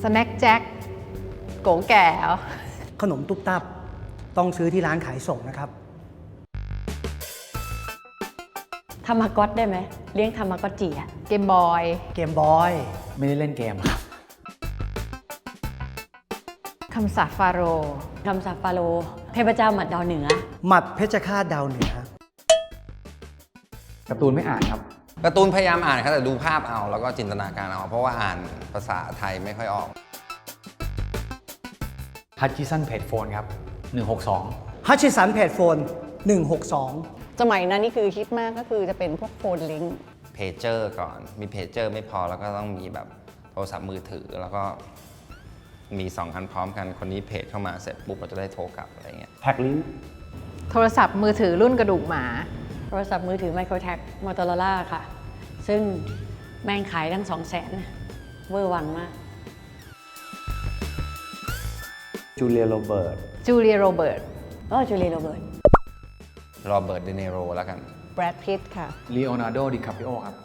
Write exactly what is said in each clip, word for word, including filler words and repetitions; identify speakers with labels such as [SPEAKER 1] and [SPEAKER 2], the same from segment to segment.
[SPEAKER 1] แน็คแจ็คโกแก่เหรอ
[SPEAKER 2] ขนมตุ๊บตับต้องซื้อที่ร้านขายส่งนะครับ
[SPEAKER 3] ทามากอตได้ไหมเลี้ยงทามากอตจีอะ
[SPEAKER 1] เกมบอย
[SPEAKER 2] เกมบอย
[SPEAKER 4] ไม่ได้เล่นเกมครับ
[SPEAKER 1] คำสาปฟาโรห์
[SPEAKER 3] คำสาปฟาโรห์เทพเจ้าหมัดดาวเหนือ
[SPEAKER 2] หมัดเพชรฆาตดาวเหนือ
[SPEAKER 4] การ์ตูนไม่อ่านครับ
[SPEAKER 5] การ์ตูนพยายามอ่านครับแต่ดูภาพเอาแล้วก็จินตนาการเอาเพราะว่าอ่านภาษาไทยไม่ค่อยออก
[SPEAKER 4] ฮัตจิสันเพจโฟนครับหนึ่งหกสอง
[SPEAKER 2] ฮัชชิสันเพจโฟนหนึ่งหกสอง
[SPEAKER 6] สมัยนั้นนี่คือฮิตมากก็คือจะเป็นพวกโฟนลิงก์
[SPEAKER 5] เพจเจอร์ก่อนมีเพจเจอร์ไม่พอแล้วก็ต้องมีแบบโทรศัพท์มือถือแล้วก็มีสองคันพร้อมกันคนนี้เพจเข้ามาเสร็จปุ๊บเราจะได้โทรกลับอะไรเงี้ย
[SPEAKER 4] แท็กลิง
[SPEAKER 1] โทรศัพท์มือถือรุ่นกระดูกหมา
[SPEAKER 3] โทรศัพท์มือถือไมโครแท็กมอเตอร์ล่าค่ะ ซึ่งแม่งขายทั้งสองแสนเวอร์วังมาก
[SPEAKER 7] จูเลียโรเบิร์ต
[SPEAKER 1] จูเลียโรเบิร์ต
[SPEAKER 3] เออจูเลียโรเบิร์ต
[SPEAKER 5] โรเบิร์ตเดเนโรแล้วกัน
[SPEAKER 6] แบรดพิตต์ค่ะ
[SPEAKER 4] ลีโอนาร์โด ดิคาปิโอครับ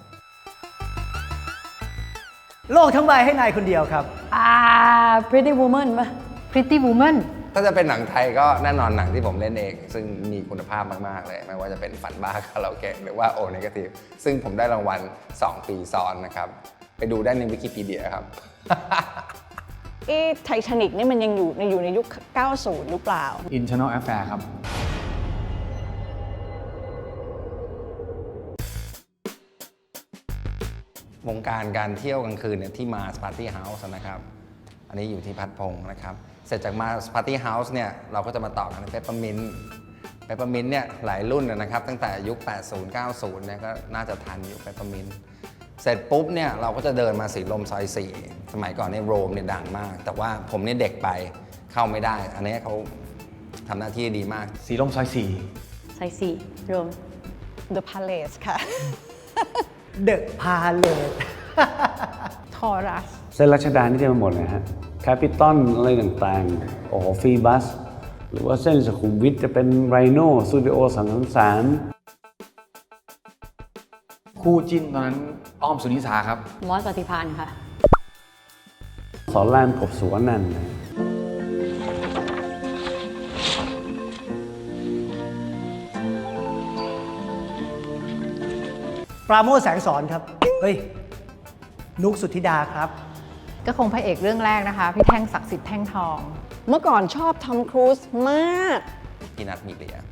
[SPEAKER 2] โลกทั้งใบให้นายคนเดียวครับ
[SPEAKER 3] อ่า Pretty Woman ป่ะ
[SPEAKER 1] Pretty Woman
[SPEAKER 5] ถ้าจะเป็นหนังไทยก็แน่นอนหนังที่ผมเล่นเอง ซึ่งมีคุณภาพมาก ๆ เลย ไม่ว่าจะเป็นฝันบ้าคาราโอเกะหรือว่าโอเนกาทีฟซึ่งผมได้รางวัล สอง ปีซ้อนนะครับ ไปดูได้ในวิกิพีเดียครับ
[SPEAKER 6] เอ๊ะไททานิกนี่มันยังอยู่ในอยู่ในยุค เก้าสิบ หรือเปล่า
[SPEAKER 4] Internal Affair ครับ
[SPEAKER 5] วงการการเที่ยวกลางคืนเนี่ยที่มาสปาร์ตี้เฮาส์นะครับ อันนี้อยู่ที่พัดพงศ์นะครับ เสร็จจากมาสปาร์ตี้เฮาส์เนี่ยเราก็จะมาต่อกันเปปเปอร์มินต์เปปเปอร์มินต์เนี่ยหลายรุ่นนะครับ ตั้งแต่ยุค แปดสิบ เก้าสิบ เนี่ยก็น่าจะทันอยู่เปปเปอร์มินต์เสร็จปุ๊บเนี่ยเราก็จะเดินมาสีลมซอยสี่สมัยก่อนเนี่ยโรมเนี่ยดังมาก แต่ว่าผมเนี่ยเด็กไปเข้าไม่ได้ อันนี้เขาทำหน้าที่ดีมาก
[SPEAKER 4] สีลมซอยสี่
[SPEAKER 3] ไซสี่รวม
[SPEAKER 6] The Palace ค่ะ
[SPEAKER 2] เดอะพาเลต
[SPEAKER 1] ทอรัส
[SPEAKER 7] เส้นรัชดานี่เต็มไปหมดเลยฮะแคปิตอลอะไรต่างๆ โอ้โหฟรีบัส หรือว่าเส้นสุขุมวิทจะเป็นไรโน่สตูดิโอสามสาม
[SPEAKER 4] คู่จิ้นตอนนั้นอ้อมสุนิสาครับ
[SPEAKER 3] มอสปฏิพานค่ะ
[SPEAKER 7] สอนรามกบสุวรรณันท์นะ
[SPEAKER 2] ปราโมชแสงสอนครับ เฮ้ย นุกสุทธิดาครับ
[SPEAKER 1] ก็คงพระเอกเรื่องแรกนะคะ พี่แท่งศักดิ์สิทธิ์แท่งทอง
[SPEAKER 6] เมื่อก่อนชอบทอมครูซมาก
[SPEAKER 5] พี่นัทมีเลีย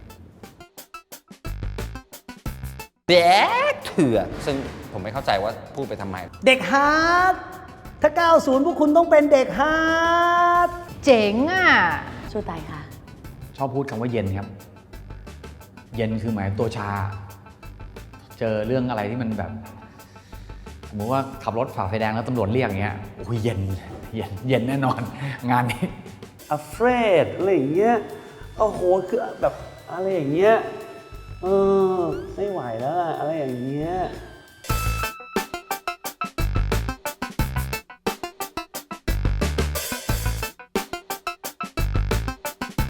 [SPEAKER 5] แบ๊กเถื่อซึ่งผมไม่เข้าใจว่าพูดไปทำไม
[SPEAKER 2] เด็กฮาร์ดถ้า เก้าสิบ พวกคุณต้องเป็นเด็กฮาร์ด
[SPEAKER 1] เจ๋งอ่ะ
[SPEAKER 3] สู้ตายค่ะ
[SPEAKER 4] ชอบพูดคำว่าเย็นครับ เย็นคือหมายตัวชา เจอเรื่องอะไรที่มันแบบ สมมติว่าขับรถฝ่าไฟแดงแล้วตำรวจเรียกอย่างเงี้ยโอ้ยเย็น เย็น เย็นแน่นอน งานนี้
[SPEAKER 7] afraid อะไรอย่างเงี้ย โอ้โห คือแบบอะไรอย่างเงี้ย เออ ไม่ไหวแล้วอะอะไรอย่างเงี้ย